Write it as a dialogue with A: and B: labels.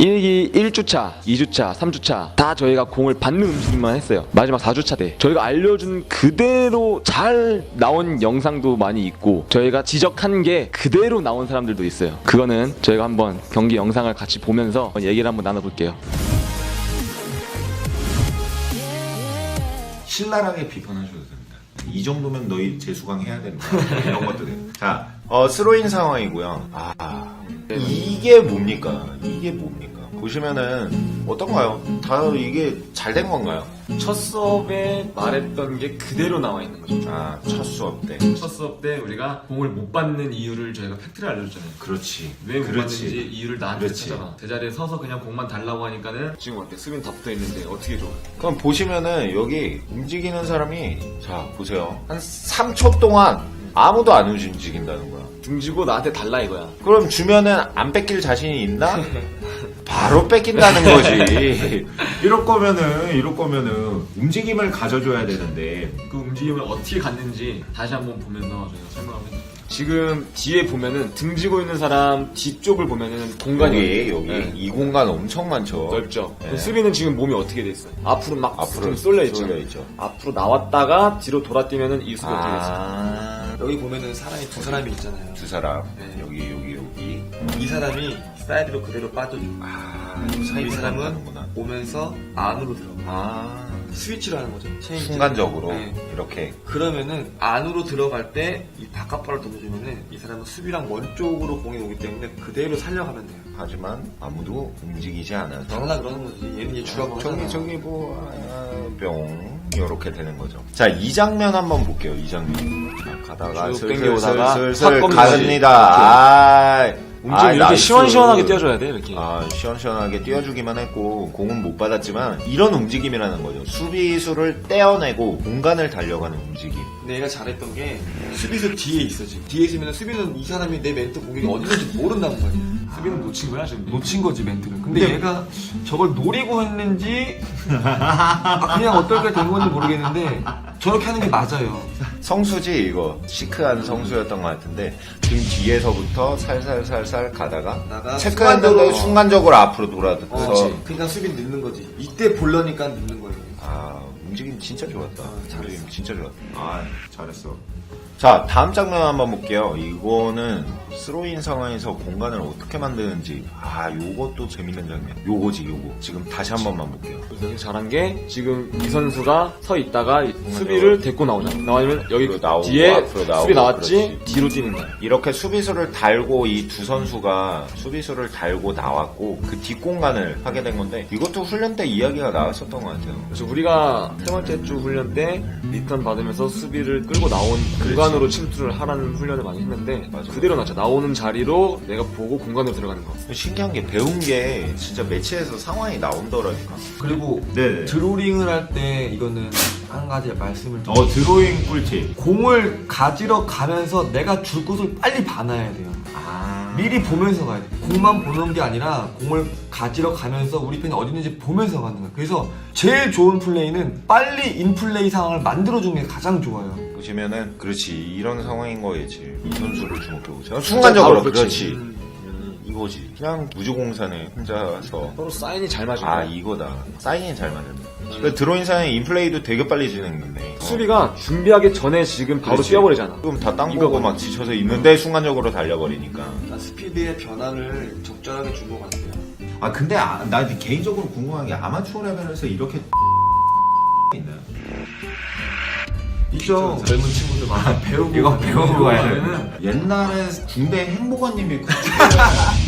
A: 1기 1주차, 2주차, 3주차 다 저희가 공을 받는 움직임만 했어요. 마지막 4주차 때 저희가 알려준 그대로 잘 나온 영상도 많이 있고 저희가 지적한 게 그대로 나온 사람들도 있어요. 그거는 저희가 한번 경기 영상을 같이 보면서 얘기를 한번 나눠볼게요.
B: 신랄하게 비판하셔도 됩니다. 이 정도면 너희 재수강 해야 된다. 이런 것들이. 자, 스로인 상황이고요. 이게 뭡니까? 이게 뭡니까? 보시면은 어떤가요? 다 이게 잘 된 건가요?
A: 첫 수업에 말했던 게 그대로 나와 있는 거죠.
B: 첫 수업 때.
A: 첫 수업 때 우리가 공을 못 받는 이유를 저희가 팩트를 알려줬잖아요.
B: 그렇지.
A: 왜 못
B: 그렇지.
A: 받는지 이유를 나한테
B: 그렇지.
A: 찾아라. 제자리에 서서 그냥 공만 달라고 하니까는 지금 어때? 수빈 다 붙어 있는데 어떻게 줘?
B: 그럼 보시면은 여기 움직이는 사람이 자 보세요. 한 3초 동안 아무도 안 움직인다는 거야.
A: 등지고 나한테 달라 이거야.
B: 그럼 주면은 안 뺏길 자신이 있나? 바로 뺏긴다는 거지. 이럴 거면은 움직임을 가져줘야 되는데.
A: 그 움직임을 어떻게 갔는지 다시 한번 보면서 저희가 설명하면 돼요. 지금 뒤에 보면은 등지고 있는 사람 뒤쪽을 보면은 공간이
B: 여기
A: 네.
B: 이 공간 엄청 많죠.
A: 넓죠.
B: 네.
A: 수비는 지금 몸이 어떻게 돼 있어요? 앞으로 막
B: 앞으로
A: 쏠려 있죠.
B: 쏠려 있죠.
A: 앞으로 나왔다가 뒤로 돌아뛰면은 이 수비 어떻게 됐어요?
C: 여기 보면은 사람이 두 사람이 있잖아요.
B: 두 사람.
C: 네.
B: 여기.
C: 이 사람이 사이드로 그대로 빠져주고 이 사람은
B: 가는구나.
C: 오면서 안으로 들어가. 스위치를 하는 거죠. 체인지.
B: 순간적으로
C: 네.
B: 이렇게.
C: 그러면은 안으로 들어갈 때 이 바깥발을 던져주면은 이 사람은 수비랑 먼 쪽으로 공이 오기 때문에 그대로 살려가면 돼요.
B: 하지만 아무도 움직이지 않아서.
C: 당연하 그러는 거지. 얘는 얘 주라고 하잖아.
B: 저기 뿅 이렇게 되는 거죠. 자, 이 장면 한번 볼게요. 이 장면. 자, 가다가
A: 쭉
B: 슬슬
A: 땡겨오다가
B: 슬슬
A: 팍
B: 가릅니다.
A: 움직임 이렇게
B: 나이스.
A: 시원시원하게 띄워줘야 돼 이렇게.
B: 시원시원하게 띄워주기만 했고 공은 못 받았지만 이런 움직임이라는 거죠. 수비수를 떼어내고 공간을 달려가는 움직임.
C: 근데 얘가 잘했던 게 수비수 뒤에 있어 지금. 뒤에 있으면 수비는 이 사람이 내 멘트 공격이 어디 있는지 모른다는 거야.
A: 수비는 놓친 거야 지금.
C: 놓친 거지 멘트를. 근데 얘가 저걸 노리고 했는지 그냥 어떨게 된 건지 모르겠는데 저렇게 하는 게 맞아요.
B: 성수지 이거 시크한 성수였던 것 같은데 등 뒤에서부터 살살살살 가다가 체크했는데 순간적으로 앞으로 돌아서
C: 그러니까 수비 늦는 거지. 이때 보려니까 늦는 거예요.
B: 움직임 진짜 좋았다.
C: 잘했어.
B: 움직임 진짜 좋았다. 잘했어. 자, 다음 장면 한번 볼게요. 이거는 스로인 상황에서 공간을 어떻게 만드는지 요것도 재밌는 장면. 요거지. 지금 다시 한 번만 볼게요.
A: 여기 잘한 게 지금 이 선수가 서 있다가 수비를 데리고 나오잖아. 나오면 여기
B: 나오고,
A: 뒤에
B: 앞으로 나오고,
A: 수비 나왔지
B: 그렇지.
A: 뒤로 뛰는 거야.
B: 이렇게 수비수를 달고 이 두 선수가 수비수를 달고 나왔고 그 뒷공간을 하게 된 건데 이것도 훈련 때 이야기가 나왔었던 것 같아요.
A: 그래서 우리가 세 번째 주 훈련 때 리턴 받으면서 수비를 끌고 나온 공간으로 침투를 하라는 훈련을 많이 했는데
B: 맞아.
A: 그대로 나죠. 나오는 자리로 내가 보고 공간으로 들어가는 거.
B: 신기한 게 배운 게 진짜 매치에서 상황이 나온더라니까.
C: 그리고
B: 네.
C: 드로링을 할 때 이거는 한 가지 말씀을 좀
B: 드로잉 꿀팁.
C: 공을 가지러 가면서 내가 줄 곳을 빨리 봐놔야 돼요. 미리 보면서 가야 돼. 공만 보는 게 아니라 공을 가지러 가면서 우리 편이 어디 있는지 보면서 가는 거야. 그래서 제일 좋은 플레이는 빨리 인플레이 상황을 만들어주는 게 가장 좋아요.
B: 보시면은 그렇지 이런 상황인 거겠지. 이 선수를 주목해보세요. 순간적으로 그렇지. 이거지. 그냥 무주공산에 혼자서
A: 서로 사인이 잘 맞은 거야.
B: 이거다. 사인이 잘 맞았네. 그 드로잉상의 인플레이도 되게 빨리 진행됐네.
A: 수비가 준비하기 전에 지금 바로
B: 그렇지.
A: 뛰어버리잖아.
B: 지금 다 땅 보고 막 지쳐서 있는데 순간적으로 달려버리니까.
C: 스피드의 변화를 적절하게 준 것 같아요.
B: 근데 나 개인적으로 궁금한 게 아마추어 레벨에서 이렇게 있나요?
C: 있죠. 젊은 친구들 많아. 배우고
B: 이거 배우고 가야
C: 가면은
B: 옛날에 군대 행보관님이